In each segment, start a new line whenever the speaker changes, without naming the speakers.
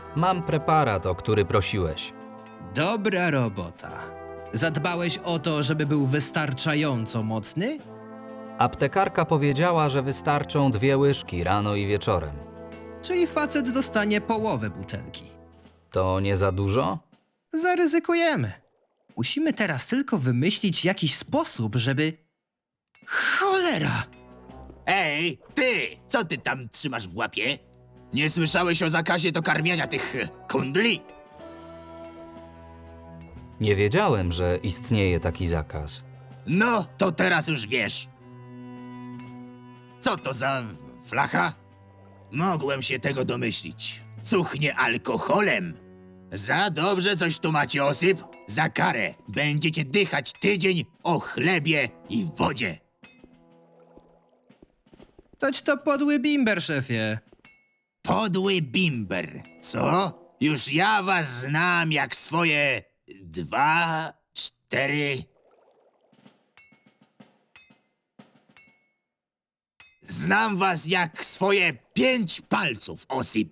Mam preparat, o który prosiłeś.
Dobra robota. Zadbałeś o to, żeby był wystarczająco mocny?
Aptekarka powiedziała, że wystarczą 2 łyżki rano i wieczorem.
Czyli facet dostanie połowę butelki.
To nie za dużo?
Zaryzykujemy. Musimy teraz tylko wymyślić jakiś sposób, żeby... Cholera!
Ej, ty! Co ty tam trzymasz w łapie? Nie słyszałeś o zakazie do karmienia tych kundli?
Nie wiedziałem, że istnieje taki zakaz.
No, to teraz już wiesz. Co to za flacha? Mogłem się tego domyślić. Cuchnie alkoholem. Za dobrze coś tu macie, Osyp. Za karę będziecie dychać tydzień o chlebie i wodzie.
Toć to podły bimber, szefie.
Podły bimber, co? Już ja was znam jak swoje 2, 4... Znam was jak swoje 5 palców, Osip.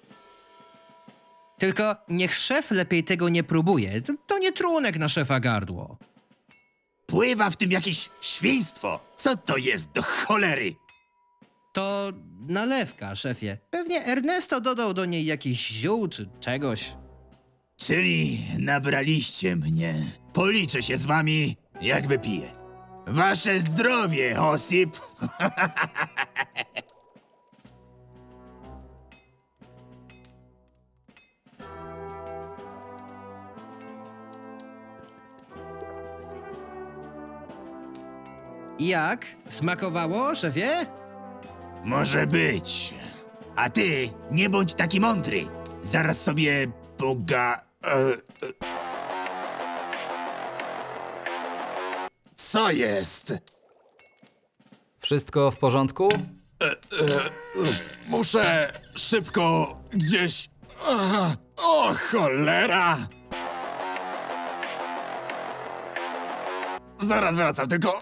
Tylko niech szef lepiej tego nie próbuje. To nie trunek na szefa gardło.
Pływa w tym jakieś świństwo. Co to jest do cholery?
To nalewka, szefie. Pewnie Ernesto dodał do niej jakiś ziół czy czegoś.
Czyli nabraliście mnie. Policzę się z wami, jak wypiję. Wasze zdrowie, Osip.
Jak? Smakowało, szefie?
Może być. A ty nie bądź taki mądry. Zaraz sobie Co jest?
Wszystko w porządku?
Muszę szybko gdzieś... O, cholera! Zaraz wracam, tylko...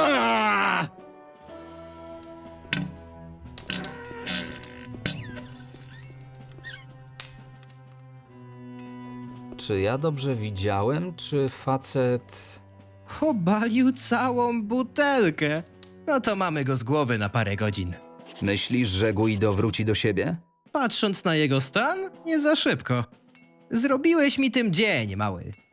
Czy ja dobrze widziałem, czy facet...
Obalił całą butelkę. No to mamy go z głowy na parę godzin.
Myślisz, że Guido wróci do siebie?
Patrząc na jego stan, nie za szybko. Zrobiłeś mi tym dzień, mały.